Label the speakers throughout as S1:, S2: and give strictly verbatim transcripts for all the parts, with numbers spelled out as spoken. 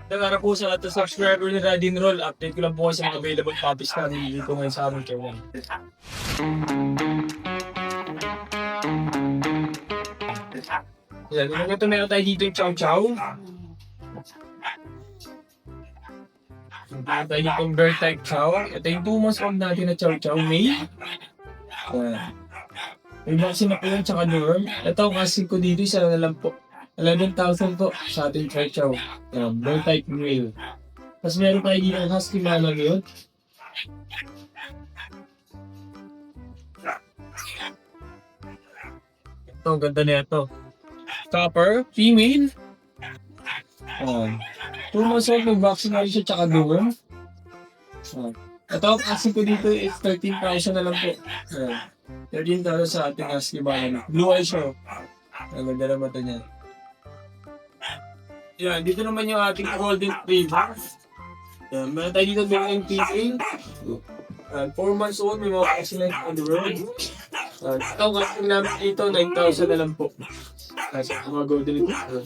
S1: Para po sa lahat ng subscriber ni Radin Roll, update ko lang po sa mga available copies namin dito ngayon sa aming channel. Yan, yung ito meron tayo dito yung Chow Chow. Meron tayo dito yung Bird Type Chow. Ito yung two months old natin na Chow Chow May. Yan. May vaccine na po yun, tsaka dorm. Ito, kasi ko dito, isa na lang po. eleven thousand po sa ating Chow Chow. Yan, Bird Type Male. Tapos meron tayo dito yung Husky Malang yun. Ito, ang ganda na ito. Copper, female. Ayan. two months old, may vaccine na rin siya, tsaka dorm. Ayan. Ito, kasi ko dito is thirteen thousand na lang po. Ayan. thirteen thousand sa ating Husky Malang. Blue eye siya. Ang ganda naman ito niya. Yan, dito naman yung ating golden retriever. Yan, meron tayo dito ng M P A. And four months old, may mga excellent on the road. And ito, kasi namin dito, nine thousand na lang po. Kasi mga golden retriever.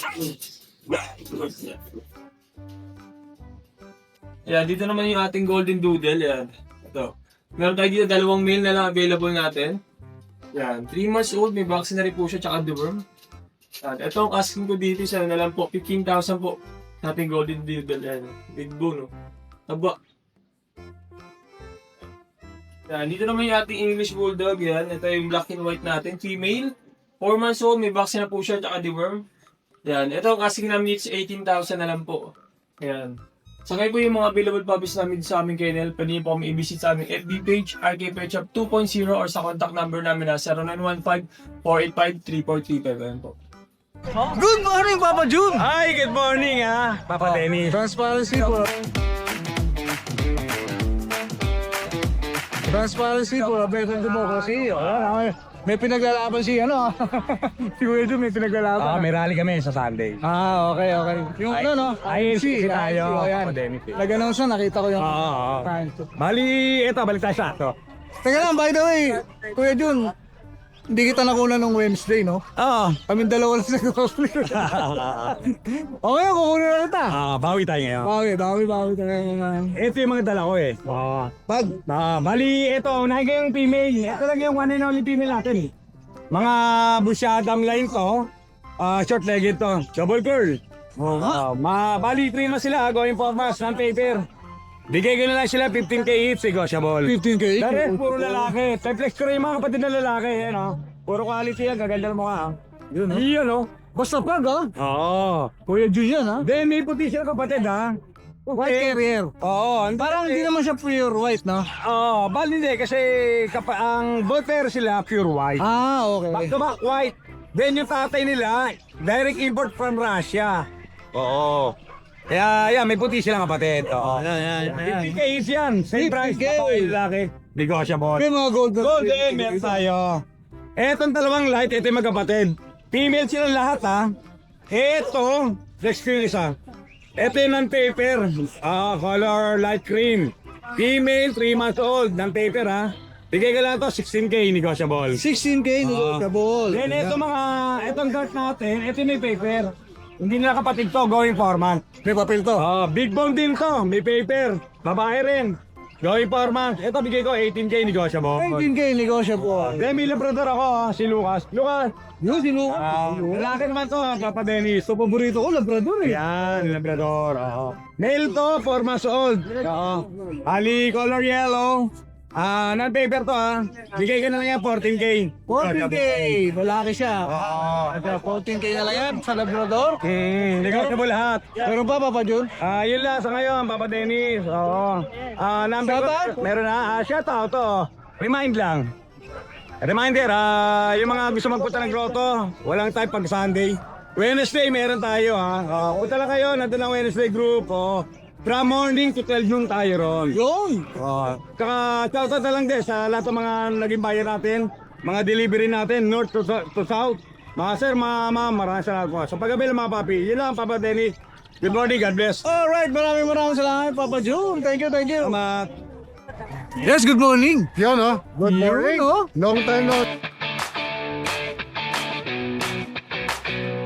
S1: Yan, dito naman yung ating golden doodle. Yan, ito. Meron tayo dito dalawang male na lang available natin. Yan, three months old, may vaccine na rin po siya, tsaka deworm. At ito ang asking ko dito, isa na lang po, fifteen thousand po. Nating golden doodle, yan. Big bone, no? Aba. Yan, dito naman yung ating English Bulldog, yan. Ito yung black and white natin, female. four months old, may vaccine na po siya, tsaka deworm. Yan, ito ang asking namin is eighteen thousand na lang po. Yan. Sakay po yung mga available puppies namin sa aming kennel. Pwede niyo po kami i-visit sa aming F B page, R K Pet Shop two point oh, or sa contact number namin na zero nine one five, four eight five, three four three five. Ayan po.
S2: Good morning, Papa Jun!
S3: Ay, good morning ah, Papa Dennis.
S2: Transparency po. Transparency po, American democracy. Wala, may pinaglalaban si ano. Si Kuya Jun may pinaglalaban.
S3: Ah, may rally kami sa Sunday.
S2: Ah, okay, okay. Yung ano, no?
S3: Ay, si tayo.
S2: Oh, yan.
S3: Papa Dennis.
S2: Nag-announce na, nakita ko yung...
S3: Oo, oo. Bali, eto, balik tayo sa ato.
S2: Teka lang, by the way, Kuya Jun, hindi kita nakuna nung Wednesday, no?
S3: Oo.
S2: Kami dalawa lang sa cosplay. Okay, kukunin na kita.
S3: Ah, bawi tayo ngayon.
S2: Bawi, bawi, bawi.
S3: Ito yung mga dala ko eh. Oo.
S2: Pag,
S3: Ah, bali, ito, unahin ko yung female. Ito lang yung one and only female natin eh. Mga busyadam line to. Ah, short legged to. Double curl. Oh, ma bali, three na sila. Going for mass, non-paper. Bigay ko na lang sila fifteen K each, negotiable.
S2: fifteen K.
S3: The rest, puro lalaki. Triplex ko rin yung mga kapatid na lalaki, eh, no? Puro quality yan, gaganda ng mukha, ha?
S2: Yun, no?
S3: Iyon, no?
S2: Basta pag, ha?
S3: Oo.
S2: Kuya Jun yan, ha?
S3: Then, may puti sila kapatid, ha?
S2: White carrier.
S3: Oo. ang-
S2: Parang hindi naman siya pure white, no?
S3: Oo, bali hindi, kasi kapa ang both pair sila pure white.
S2: Ah, okay.
S3: Back to back white. Then yung tatay nila, direct import from Russia. Oo. Kaya, yan, may puti silang kapatid. Oo.
S2: Ayan, ayan, ayan.
S3: fifty K each yan. Same price.
S2: fifty K.
S3: Babae, lalaki. Negotiable.
S2: May mga gold na.
S3: Golden, meron tayo. Etong dalawang light, ito yung magkapatid. Female silang lahat, ha. Ito, next ko yung isa. Ito yung non-paper. Ah, color light cream. Female, three months old, non-paper, ha. Bigay ka lang ito, sixteen K, negotiable.
S2: sixteen K, negotiable.
S3: Then ito mga, itong dart natin, ito yung may paper. Hindi nila kapatid to, going foreman.
S2: May papel to.
S3: Ah, big bone din to, may paper. Babae rin. Going foreman. Ito bigay ko eighteen K, negotiable.
S2: eighteen K, negotiable.
S3: Then may labrador ako, ha, si Lucas. Lucas!
S2: Yun, sino?
S3: Ah, lalaki naman to, ha, Papa Dennis.
S2: So, paborito ko, Labrador eh.
S3: Yan, labrador. Oo. Male to, four months old. Oo. Ali, color yellow. Ah, non-paper to, ha. Bigay ka na lang yan, fourteen K.
S2: fourteen K, malaki siya.
S3: Oo.
S2: Ito, fourteen K na lang yan sa Labrador.
S3: Hmm, negotiable lahat.
S2: Meron pa, Papa Jun?
S3: Ah, yun lang sa ngayon, Papa Dennis. Oo. Ah, number
S2: Shoutout?
S3: ko, meron na. Ah, shout out to. Remind lang. Reminder, ah, yung mga gusto magpunta ng grotto, walang time pag Sunday. Wednesday, meron tayo, ha. Ah, punta lang kayo, nandun ang Wednesday group, oh. From morning to twelve noon tayo ron.
S2: Yun.
S3: Oh. Saka, shoutout na lang din sa lahat ng mga naging buyer natin, mga delivery natin, north to, to south. Mga sir, mga ma'am, maraming salamat po. Sa paggabi ng mga papi, yun lang, Papa Denny. Good morning, God bless.
S2: Alright, maraming maraming salamat, Papa Jun. Thank you, thank you.
S3: Salamat.
S2: Yes, good morning.
S4: Yun, oh. Good
S2: Yun,
S4: morning.
S2: oh.
S4: Long time no.
S2: Oh,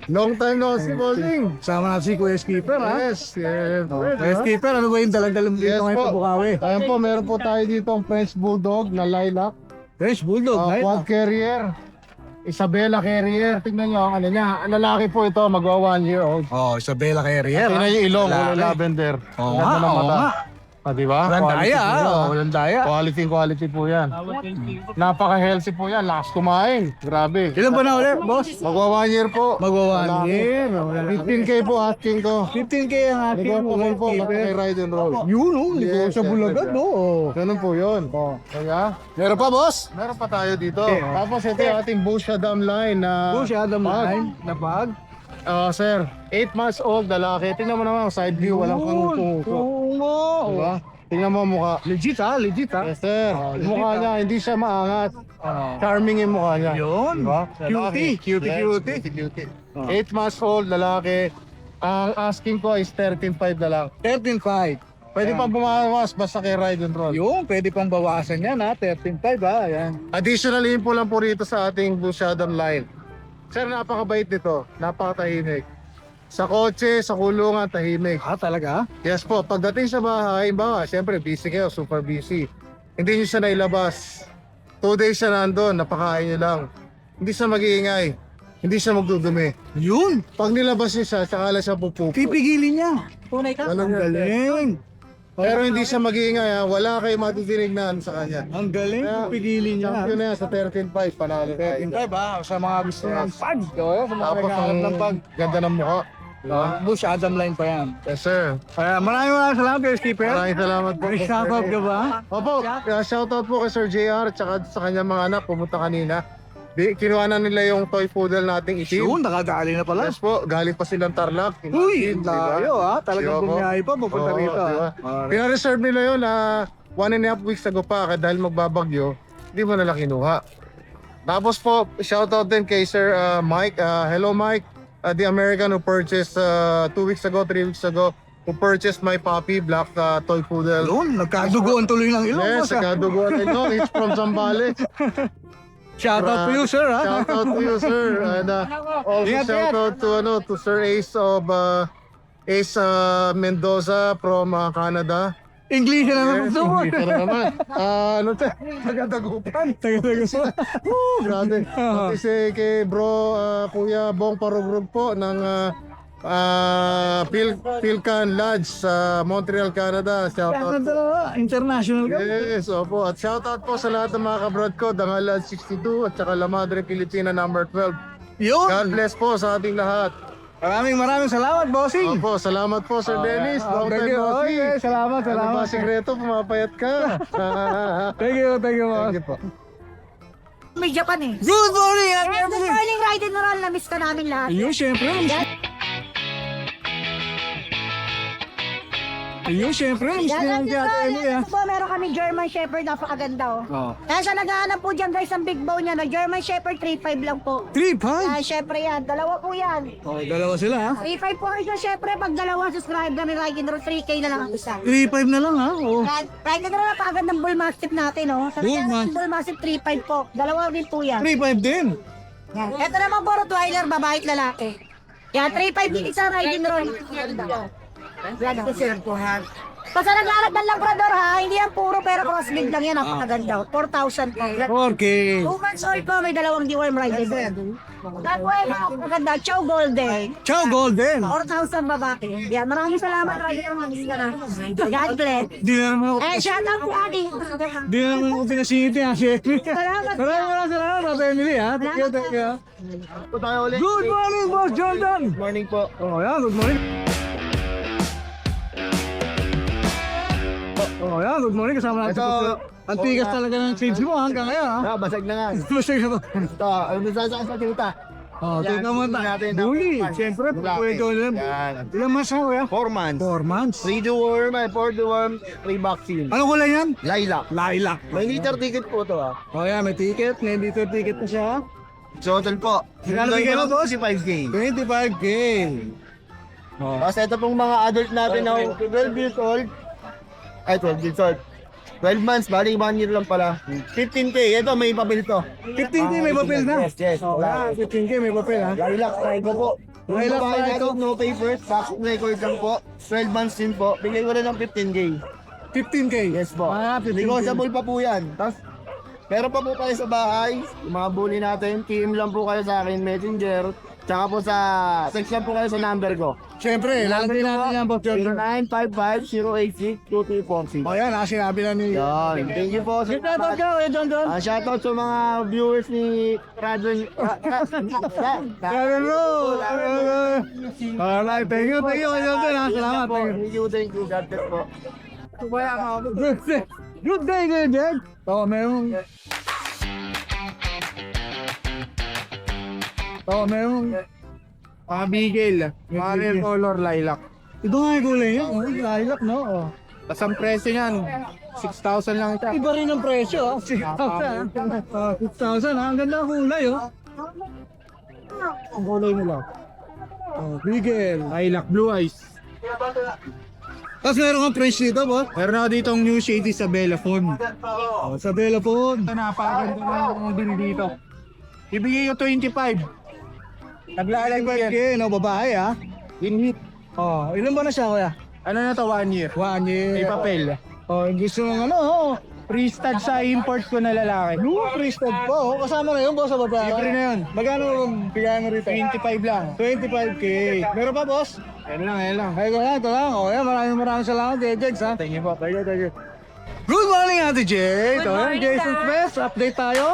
S4: Long time no see, bossing.
S2: Sama natin si Kuya Skipper, ha?
S4: Yes, yes.
S2: Kuya Skipper, ano ba yung dalang-dalang dito
S4: Yes
S2: ngayon
S4: po.
S2: sa Bukawi?
S4: Ayun po, meron po tayo dito ang French Bulldog na lilac.
S2: French Bulldog,
S4: Uh,
S2: right?
S4: quad carrier. Isabella Carrier. Tingnan nyo ang ano niya. Ang lalaki po ito, magwa one year old.
S2: Oh, Isabella Carrier,
S4: Tingnan yung ilong,
S2: Lalaki.
S4: kulay lavender.
S2: Oo
S4: Ang
S2: nga,
S4: ganda ng
S2: oo
S4: mata.
S2: nga.
S4: Ah, di ba?
S2: Walang
S4: Quality
S2: daya,
S4: po
S2: ha?
S4: yan,
S2: Oh,
S4: ah.
S2: walang daya.
S4: Quality, quality po yan. Napaka-healthy po yan. Lakas kumain. Grabe.
S2: Ilan ba na ulit, boss?
S4: Magwa one year po.
S2: Magwa one
S4: Lalaki.
S2: year.
S4: fifteen K po asking ko.
S2: fifteen K ang ating
S4: Negotiable po,
S2: Kuya
S4: basta kay
S2: Skipper.
S4: ride and roll.
S2: Yun, oh,
S4: Yes,
S2: negotiable
S4: yes,
S2: agad,
S4: yes.
S2: no? Oh.
S4: Ganun po yun. Kaya,
S2: Meron pa, boss?
S4: meron pa tayo dito.
S2: Okay.
S4: Tapos ito yung ating Bush Adam line na...
S2: Bush Adam
S4: pag.
S2: line na pag.
S4: Ah, sir, eight months old, lalaki. Tingnan mo naman, side view, walang kang tumuso.
S2: Oo nga.
S4: Diba? Tingnan mo ang mukha.
S2: Legit, ha? Legit, ha?
S4: Yes, sir.
S2: Oh,
S4: Yung mukha
S2: legit,
S4: niya, hindi siya maangat.
S2: Ah.
S4: Charming yung mukha niya.
S2: Yun.
S4: Diba?
S2: Cutie.
S4: Lalaki.
S2: Cutie,
S4: Yes,
S2: cutie.
S4: cutie, cutie.
S2: Oh.
S4: eight months old, lalaki. Ang asking ko is thirteen five na lang.
S2: thirteen five.
S4: Pwede pang bumawas basta kay ride and roll.
S2: Yun, pwede pang bawasan yan, ha? thirteen five, ha? Yan.
S4: Additional info lang po rito sa ating Bush Adam line. Sir, napakabait nito. Napakatahimik. Sa kotse, sa kulungan, tahimik.
S2: Ah, talaga?
S4: Yes po, pagdating sa bahay, ba, siyempre busy kayo, super busy. Hindi nyo siya nailabas. Two days siya nandun, napakain nyo lang. Hindi siya mag-iingay. Hindi siya magdudumi.
S2: Yun.
S4: Pag nilabas nyo siya, saka lang siya pupupo.
S2: Pipigilin niya. Tunay ka?
S4: Walang
S2: galing.
S4: Pero hindi siya mag-iingay ha. Wala kayo matidinig na ano sa kanya.
S2: Ang galing.
S4: Kaya,
S2: Pipigilin niya.
S4: Champion na yan sa thirteen five, panalo tayo.
S2: thirteen five, ha? Sa mga gusto ng pag. Sa mga
S4: Tapos
S2: naghahanap ng pag.
S4: ang ganda ng mukha.
S2: Ah, Bush Adam line pa yan.
S4: Yes sir.
S2: Kaya maraming maraming salamat kay Skipper.
S4: Maraming salamat po.
S2: May shoutout ka ba?
S4: Opo, uh, shoutout po kay Sir J R at saka sa kanyang mga anak pumunta kanina. Di, kinuha na nila yung toy poodle nating itim.
S2: Yun, nakadali na pala.
S4: Yes po, galing pa silang Tarlac.
S2: Uy,
S4: Imagine, di ba?
S2: layo, ha? Talagang
S4: Diba po?
S2: bumiyahe pa, pupunta
S4: Oo,
S2: rito, ha?
S4: diba?
S2: Alright.
S4: Pina-reserve nila yun na one and a half weeks ago pa kaya dahil magbabagyo, hindi mo nila kinuha. Tapos po, shoutout din kay Sir uh, Mike. Uh, hello Mike, uh, the American who purchased uh, two weeks ago, three weeks ago, who purchased my puppy, black uh, toy poodle.
S2: Yun, nagkadugoan tuloy ng ilong.
S4: Yes,
S2: boss, ha?
S4: nagkaduguan ito. It's from Zambales.
S2: Shoutout to you, sir, ha?
S4: Shout out to you, sir. And uh, also
S2: Ingat,
S4: shout
S2: ingat.
S4: out to ano to Sir Ace of uh, Ace uh, Mendoza from uh, Canada.
S2: English na naman
S4: Yes,
S2: gusto mo.
S4: English na naman. Ah, ano to? Tagadagupan.
S2: Taga-taga.
S4: Oh, grabe. Pati si kay bro uh, Kuya Bong Parugrug po ng uh, uh, Pil Pilcan Lodge sa Montreal, Canada. Shout out.
S2: Canada, international ka.
S4: Yes, opo. At shout out po sa lahat ng mga kabrad ko, Dangal Lodge sixty-two at saka La Madre Pilipina number twelve.
S2: Yun.
S4: God bless po sa ating lahat.
S2: Maraming maraming salamat, bossing.
S4: Opo, salamat po Sir Dennis.
S2: Ah,
S4: Long
S2: thank
S4: time
S2: you.
S4: no see.
S2: Okay, salamat,
S4: Ano
S2: salamat.
S4: ba sikreto? Pumapayat ka.
S2: Thank you, thank you, boss.
S4: Thank you po.
S5: May Japan eh.
S2: Good morning,
S5: Yes,
S2: Ate
S5: good morning, Ride and Roll. Na-miss ka namin lahat.
S2: Ayun, syempre. Ayun, syempre. Miss
S5: Yan
S2: din
S5: lang
S2: ang
S5: yun,
S2: Ate Emily, ha?
S5: Ito po, meron kami German Shepherd, napakaganda oh.
S2: Oh.
S5: Kaya sa naghahanap po dyan guys, ang big bone niya, no? German Shepherd, three five lang po.
S2: three five.
S5: Kaya syempre yan, dalawa po yan.
S2: Oh, dalawa sila, ha?
S5: three five po kayo syempre, pag dalawa subscriber ni Ride and Roll, three K na lang ang isa.
S2: three five na lang, ha? Oh.
S5: Ride Ride and Roll, napakagandang bull mastiff natin, oh. Sa
S2: Bull
S5: bull,
S2: Mastiff.
S5: bull mastiff, three five po. Dalawa din po yan.
S2: three five din.
S5: Yan. Ito naman po, Rottweiler, babae at lalaki. Yan, three five din isa, Ride and Roll. Yan, sir po, ha? Basta naglalak ng Labrador ha, hindi yan puro pero crossbreed lang yan, napakaganda. four thousand po.
S2: four K.
S5: two months old po, may dalawang deworm rider. Tapos ay napakaganda, Chow Golden.
S2: Ciao, Golden.
S5: four thousand babae. Yan, maraming salamat, Rider. God bless.
S2: Di na naman ako,
S5: Eh, shout out po, Adi.
S2: di na naman ako pinasingit niya, si Emily.
S5: Salamat.
S2: Maraming maraming salamat, Ate Emily, ha? Thank you, thank you. Good morning, Boss Jordan.
S4: Good morning po.
S2: Oh, yan, good morning. Oh, yan, good morning. Kasama natin
S4: Ito,
S2: po. Ang tigas talaga ng shades mo hanggang ngayon, ha?
S4: Ah, basag na nga.
S2: Masaya ka ba?
S4: Ito, ano ba sa sa tita?
S2: Oh,
S4: Yan,
S2: tingnan mo
S4: tingnan
S2: ta.
S4: natin ang
S2: Bully.
S4: format.
S2: Siyempre,
S4: Lalaki.
S2: pwede ko lang.
S4: Yan.
S2: Ilang months na, kuya?
S4: Four months.
S2: Four months.
S4: Three deworm, ay four deworm, three vaccine.
S2: Ano kulay yan?
S4: Lilac.
S2: Lilac.
S4: May liter ticket po to ah.
S2: Oh, yan, may ticket. May dito ticket na siya.
S4: Total po.
S2: Magkano bigay mo, boss?
S4: five K.
S2: twenty-five K. Oh.
S4: Tapos ito pong mga adult natin na twelve years old. Ay, twelve years old. twelve months, bali one year lang pala. fifteen K, ito may papel to.
S2: fifteen K may papel na.
S4: Yes, yes.
S2: Oh, yan, fifteen K may papel, ha?
S4: Lilac, try ko po.
S6: Yung
S2: Lilac
S6: babae
S2: na ito.
S6: natin, no papers, back record lang po. twelve months din po. Bigay ko na ng fifteen K.
S2: fifteen K.
S6: Yes po.
S2: Ah, fifteen K.
S6: Negotiable pa po yan. Tapos, meron pa po kayo sa bahay. Yung mga bully natin, P M lang po kayo sa akin, messenger. Tsaka po sa, text lang po kayo sa number ko.
S2: Siyempre, lalagay natin yan, Boss
S6: zero
S2: George.
S6: nine five five zero eight six two three four six.
S2: O yan, ah, sinabi na ni...
S6: Yan. Thank you po.
S2: Shoutout ka, Kuya John John.
S6: Ah, shoutout sa mga viewers ni Radyo.
S2: Pero no! Alright, thank you, thank you, Kuya John John, ah. Salamat, thank you.
S6: Thank you, thank you. God bless po.
S2: Good day, good day, good day. Oo, meron. Oo, meron.
S6: Mga bigel. Mga rare color lilac.
S2: Ito nga yung kulay niya. Oh, lilac, no? Oh.
S6: Tapos ang presyo niyan, six thousand lang ito.
S2: Iba rin ang presyo, oh. six thousand. Oh, six thousand, ah. Ang ganda ng kulay, oh. Ang kulay nila. Oh, bigel.
S6: Lilac, blue eyes.
S2: Tapos meron kang French dito, boss.
S6: Meron ako ditong new shady sa Bellafon.
S2: Oh, sa Bella po.
S6: Napakaganda ng din dito. Ibigay ko twenty-five. Naglalagay yan.
S2: Okay, no, babae, ah.
S6: In hit.
S2: Oh, ilan ba na siya, kuya?
S6: Ano na to, one year.
S2: One year.
S6: May papel.
S2: Oh, gusto mong ano, oh.
S6: Pre-stud sa import ko na lalaki.
S2: No, pre-stud po. Oh. Kasama na yun, boss, sa babae.
S6: Libre na yun.
S2: Magkano bigyan mo rito?
S6: twenty-five lang.
S2: twenty-five K. Meron pa, boss?
S6: Yan lang, yan lang.
S2: Ay, ito lang, ito lang. Oh, yan, maraming maraming salamat, Ate Jegs, ha? Thank you po, thank you, thank you. Good morning, Ate Jegs.
S5: Good
S2: Oh, yan,
S5: morning,
S2: Jason
S5: Dad.
S2: Smith, update tayo.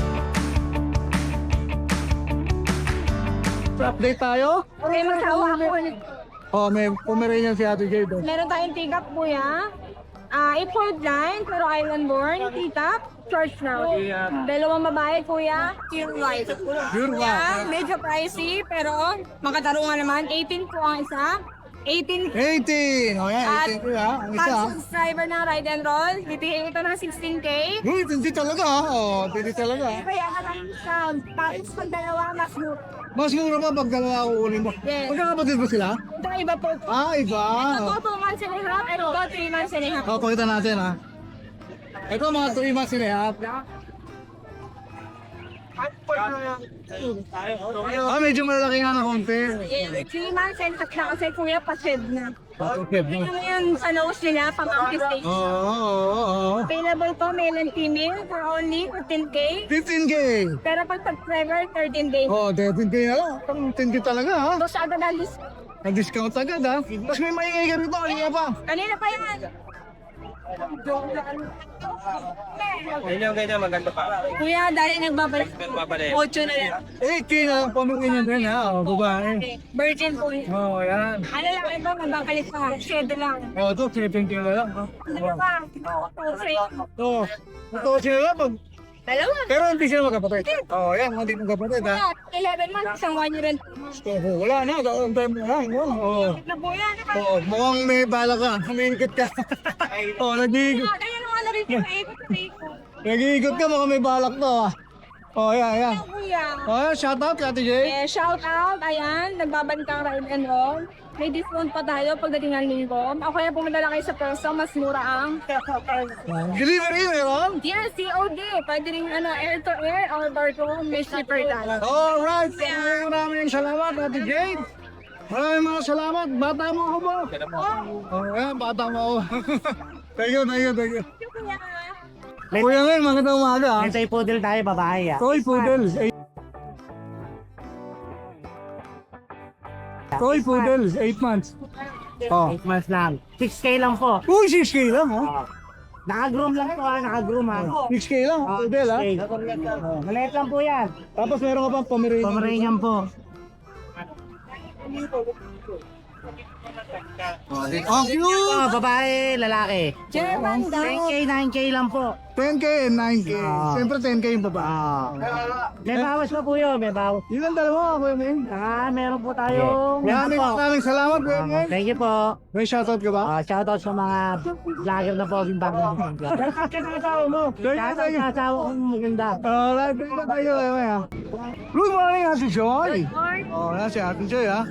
S2: Update tayo.
S5: Okay, magsawa ako.
S2: Oh, may Pomeranian si Ate Jade. oh.
S5: Meron tayong tigap, kuya. Ah, import line, pero island born. Tigap, short snout. Dalawang babae, kuya. Pure white.
S2: Pure
S5: Kuya, medyo pricey, pero makatarungan naman. eighteen po ang isa. eighteen
S2: eighteen. Oh, yan,
S5: At
S2: eighteen ko, ha? Ang isa,
S5: pag
S2: ha?
S5: subscriber ng Ride and Roll, bibigyan ito ng sixteen K.
S2: Uy, hindi talaga, ha? Oh, hindi talaga, ha?
S5: Kaya ka lang sound. Tapos pag dalawa, mas mura.
S2: Mas mura pa pag dalawa kukunin mo.
S5: Yes.
S2: Magkakapatid ba sila?
S5: Ito iba po.
S2: Ah, iba.
S5: Ito po, two months and a half. Ito po, three months and a half.
S2: Oh, pakita natin, ha? Ito, mga three months and a half. Ah, medyo malaki nga na konti.
S5: three months and a half na kasi kuya, pa-shed na.
S2: Okay,
S5: Ito yung sa nose nila, pang-monkey stage.
S2: Oo, oo, oo.
S5: Available po, male and female, for only fifteen K.
S2: fifteen K.
S5: Pero pag subscriber, thirteen K.
S2: Oh, thirteen K na lang. Pang ten K talaga, ha?
S5: Ito siya agad ang list.
S2: Nag-discount agad, ha? Tapos may maingay ka rito, kanina pa.
S5: Kanina pa yan.
S1: Ganyan, ganyan, maganda pa.
S5: Kuya, dahil nagbabalik. Ocho na yan.
S2: eight K na lang, pamukhin niya din, ha? Oh, babae.
S5: Virgin po yun.
S2: Oh, yan.
S5: Ano lang iba, mabangkalit pa. Shed lang.
S2: Oh, ito, seven K na lang, ha?
S5: Ano pa? Two,
S2: Ito, ito sila lang, pag...
S5: Dalawa.
S2: Pero hindi sila magkapatid. Oh, yan, hindi magkapatid, ha?
S5: Kuya, eleven months, isang one year and
S2: Oh, wala na, gawin tayo mo lang. Oh,
S5: na po yan.
S2: oh, mukhang may bala ka, humingkit ka. Oh, nag-iikot.
S5: Ah, Kaya naman na rin yung ikot na ikot.
S2: Nag-iikot ka, mukhang may balak to, ha? Oh, yan, yan.
S5: Kuya.
S2: Oh, shout out, Ate Jay.
S5: Eh, shout out, ayan, nagbabantang Ride and Roll. May discount pa tayo pagdating ng linggo. Ako kaya pumunta lang kayo sa Perso, mas mura ang
S2: Delivery, meron?
S5: yes, C O D. Pwede rin ano, air to air or bar to home, may shipper tayo.
S2: Alright, maraming maraming salamat, Ate Jade. Maraming mga salamat. Bata mo ako ba? Oh, yan, bata mo ako. Thank you, thank you, thank you. Kuya Ngel, magandang umaga, ha?
S6: Toy poodle tayo, babae ah.
S2: Toy Poodle. eight Toy Poodle, eight months. Oh.
S6: eight months lang. six K lang po.
S2: Uy, six K lang, ha?
S6: Naka-groom lang po ah, naka-groom ah.
S2: six K lang, Poodle, ha?
S6: Maliit lang po yan.
S2: Tapos meron ka pang Pomeranian.
S6: Pomeranian po.
S2: Oh, cute!
S6: Oh, babae, lalaki.
S5: German daw.
S6: ten K, nine K lang po.
S2: ten K and nine K.
S6: Ah.
S2: Siyempre ten K yung baba.
S6: Ah. May bawas pa po yun, may bawas.
S2: Yun ang dalawa, Kuya Ngel.
S6: Ah, meron po tayong...
S2: Maraming maraming salamat, Kuya
S6: Ah,
S2: Ngel.
S6: thank you po.
S2: May shoutout ka ba?
S6: Ah, shoutout sa mga vlogger na po yung bagong vlog.
S2: Thank you,
S6: Shoutout
S2: thank you.
S6: sa asawa kong maganda.
S2: Alright, thank you, thank you, Kuya Ngel. Good morning, Ate Joy.
S5: Or,
S2: Oh, yan si Ate Joy, ha?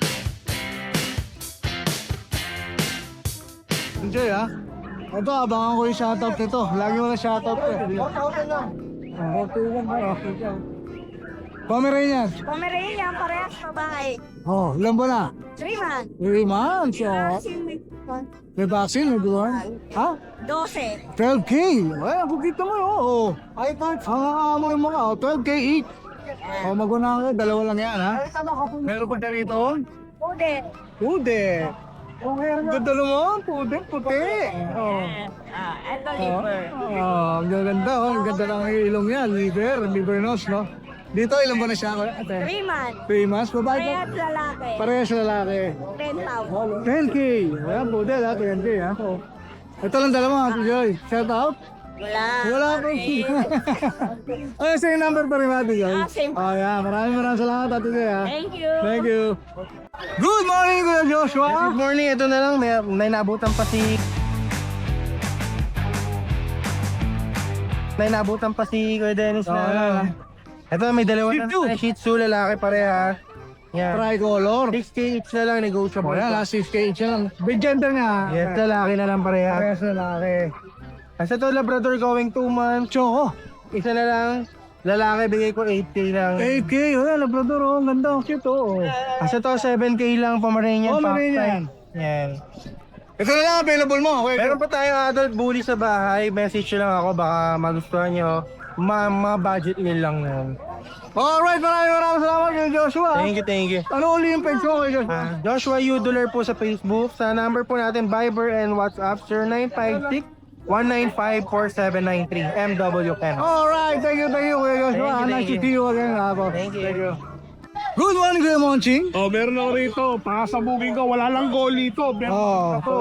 S2: Ate Joy, ha? Ito, abangan ko yung shoutout nito. Lagi mo na shoutout ko. eh. Oh, Pomeranian.
S5: Pomeranian, parehas babae.
S2: Oh, ilan ba na?
S5: three months.
S2: three months. Oh.
S5: Vaccine with
S2: May vaccine, may duwan. Ha?
S5: twelve.
S2: twelve K. Ay, ako kita mo, oo. Oh. Ay, part, hangaamon mo ka. Oh. twelve K each. Oh, maguna ka. Dalawa lang yan, ha? Meron pa ka rito?
S5: Pude.
S2: Pude. Okay, ang ganda naman. Pude, puti. Oh.
S5: Ah, and the liver.
S2: Oh, ang ganda. Oh. Ang ganda ng ilong yan. Liver, liver nose, no? Dito, ilan ba na siya? Ate?
S5: three months.
S2: three months. Babae po?
S5: Parehas lalaki.
S2: Parehas lalaki.
S5: ten thousand.
S2: ten K. Ayan, pude, ha? ten K, ha? Oh. Ito lang dalawa, Ate Joy. Shout out.
S5: Wala.
S2: Wala po. Ay, same number pa rin, Ate Joy.
S5: Ah, same.
S2: Oh, yeah. Maraming maraming salamat, Ate Joy, ha?
S5: Thank you.
S2: Thank you. Good morning, Kuya Joshua.
S6: Good morning, ito na lang. May, may nabutan pa si... May nabutan pa si Kuya Dennis
S2: Oh,
S6: na...
S2: yeah.
S6: Ito, may dalawa
S2: Shih
S6: na
S2: Tzu.
S6: na Shih Tzu, lalaki pareha. Yan.
S2: Tricolor.
S6: six K each na lang,
S2: Oh,
S6: negotiable.
S2: yan, last six K each lang. Big gender nga.
S6: Yes, lalaki na lang pareha.
S2: Parehas lalaki.
S6: Kasi ito, Labrador going two months.
S2: Choco.
S6: Isa na lang, lalaki, bigay ko eight K lang.
S2: eight K, oh, yan, Labrador, oh. Ang ganda, ang cute, oh.
S6: Kasi ito, seven K lang, Pomeranian.
S2: Pomeranian.
S6: Fox type. Yan.
S2: Ito na lang, available mo. Okay.
S6: Meron pa tayong adult bully sa bahay. Message nyo lang ako, baka magustuhan nyo. Ma, ma budget nyo lang yan.
S2: Alright, maraming maraming salamat kay Joshua.
S6: Thank you, thank you.
S2: Ano uli yung page mo kay Joshua?
S6: Ah, Joshua Udular po sa Facebook. Sa number po natin, Viber and WhatsApp, zero nine five six, one nine five, four seven nine three. M W Ken.
S2: Alright, thank you, thank you Kuya Joshua.
S6: Thank you,
S2: Nice
S6: thank
S2: to
S6: you.
S2: see you again, ako.
S6: Thank you.
S2: Good morning, Kuya Monching.
S3: Oh, meron ako rito. Pakasabugin ko. Wala lang goal dito. Meron
S2: Oh.
S3: ako.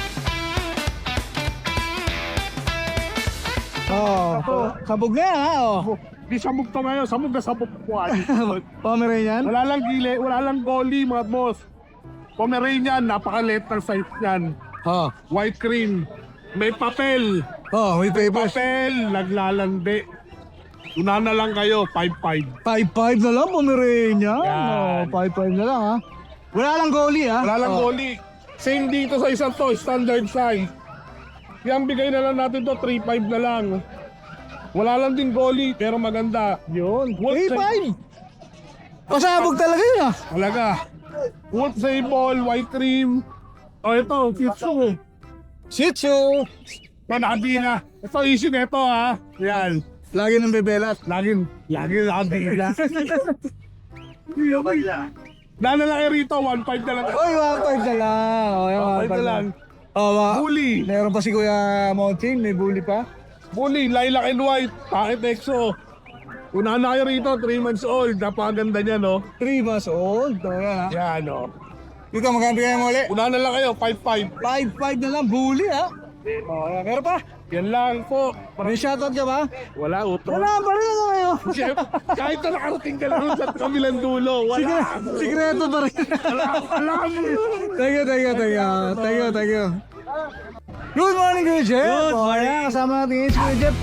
S2: Oh, sabog na, ha? Oh.
S3: Di sabog to ngayon. Sabog na sabog po.
S2: Pomeranian.
S3: Wala lang gili. Wala lang goalie, mga boss. Pomeranian, napakaliit ng size niyan.
S2: Oh,
S3: White cream. May papel.
S2: oh, may papers.
S3: Papel. Naglalandi. Una na lang kayo. five five.
S2: five five na lang, Pomeranian.
S3: Yan.
S2: Oh, five five na lang, ha? Wala lang goalie, ha?
S3: Wala lang
S2: Oh.
S3: goalie. Same dito sa isang to. Standard size. Yan, bigay na lang natin to. three five na lang. Wala lang din goalie, pero maganda. Yun.
S2: three five. Pasabog talaga yun, ha?
S3: Talaga. Wood sable, white cream. O ito, Shih Tzu.
S2: Shih Tzu.
S3: Panadi na. Ito, issue na ito ha. Yan.
S2: Lagi ng bebelat.
S3: Lagi, lagi nakabila. Dana lang kayo rito, one five na lang.
S2: Oy, one five na lang. Oh, yan,
S3: one five na lang.
S2: Oh, ma.
S3: Bully.
S2: Meron pa si Kuya Monching, may bully pa.
S3: Bully, lilac and white. Packet exo. Unahan na kayo rito, three months old. Napakaganda niya, no?
S2: three months old. Oh, yan, ha?
S3: Yan, no?
S2: Dito, magkano kayo muli?
S3: Unahan na lang kayo, five five.
S2: five five na lang, bully, ha? Oh, yan. Meron pa?
S3: Yan lang po.
S2: May shoutout ka ba?
S3: Wala, utro.
S2: Wala pa rin ako kayo.
S3: Chef, kahit na nakarating ka lang sa kabilang dulo, wala.
S2: Sikreto pa rin.
S3: Alam mo.
S2: Thank you, thank you, thank you. Thank you, thank you. Good morning, Kuya Jeff. Good morning. Oh, kasama natin ngayon si Kuya Jeff.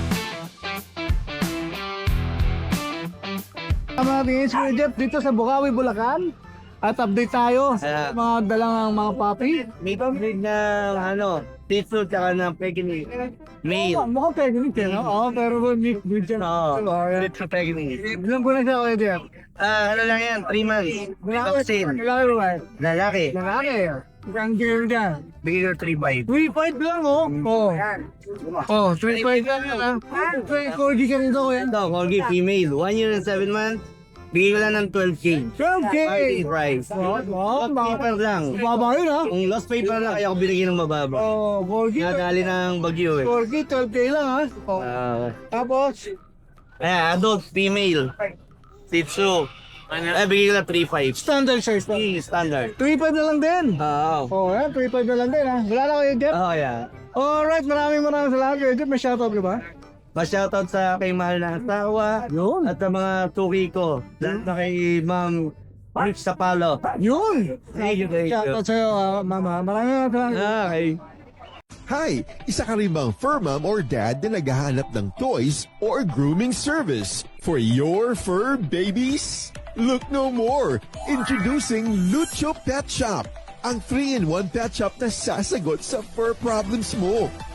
S2: Kasama natin ngayon si Kuya Jeff dito sa Bukawi, Bulacan. At update tayo sa mga dalang mga papi.
S7: May breed ng ano, Shih Tzu tsaka ng Pekinese. Male.
S2: Oh, mukhang Pekinese, no? Oo, pero mix breed siya.
S7: Oo,
S2: Oh,
S7: Shih Tzu Pekinese.
S2: ilan po na siya, Kuya Jeff?
S7: Ah, ano lang yan, three months. Vaccine.
S2: Lalaki ba ba?
S7: Lalaki.
S2: Lalaki. Ang girl dyan.
S7: Bigay ko three five.
S2: three five lang, oh. Oh. Oh, three five lang yan, ah. Corgi ka rin to, kuya.
S7: Ito, Corgi female. one year and seven months. Bigay ko lang ng twelve K.
S2: twelve K.
S7: Party price.
S2: Oh, oh,
S7: Lost
S2: mga
S7: paper lang.
S2: baba yun, ha?
S7: Kung lost paper lang, kaya ako binigyan ng mababa.
S2: Oh, Corgi.
S7: Nadali ng bagyo eh.
S2: Corgi, twelve K lang, ha? Oh.
S7: Ah,
S2: Tapos,
S7: ayan, adult female. Shih Tzu. Eh, bigay ko lang three five.
S2: standard size pa.
S7: Standard.
S2: three five na lang din.
S7: Oo.
S2: Oh, yan, three five na lang din, ha? Wala na kayo, Jeff?
S7: Oo, yeah.
S2: Alright, maraming maraming salamat, Kuya Jeff. May shoutout ka ba?
S7: Pa-shoutout sa kay mahal na asawa
S2: Yun.
S7: at sa mga tuki ko. Lahat na kay Ma'am Rich Sapalo.
S2: Yun.
S7: Thank you, thank you.
S2: Shoutout sa'yo, ah, mama. Maraming maraming salamat.
S7: Okay.
S8: Hi! Isa ka rin bang fur mom or dad na naghahanap ng toys or grooming service for your fur babies? Look no more! Introducing Lucho Pet Shop, ang three in one pet shop na sasagot sa fur problems mo.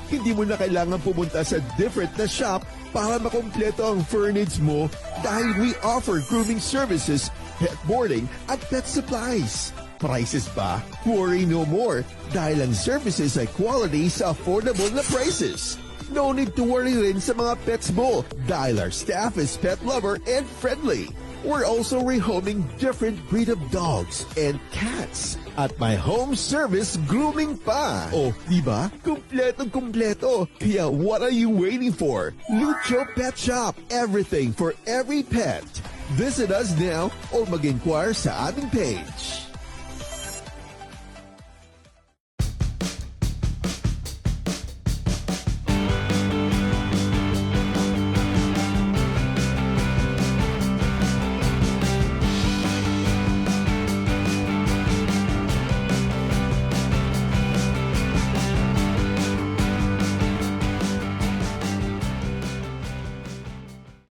S8: Hindi mo na kailangan pumunta sa different na shop para makompleto ang fur needs mo dahil we offer grooming services, pet boarding at pet supplies. Prices ba? Worry no more dahil ang services ay quality sa affordable na prices. No need to worry rin sa mga pets mo dahil our staff is pet lover and friendly. We're also rehoming different breed of dogs and cats at my home service grooming pa. Oh, di ba? Kumpletong kumpleto. Kaya what are you waiting for? Lucho Pet Shop. Everything for every pet. Visit us now or mag-inquire sa aming page.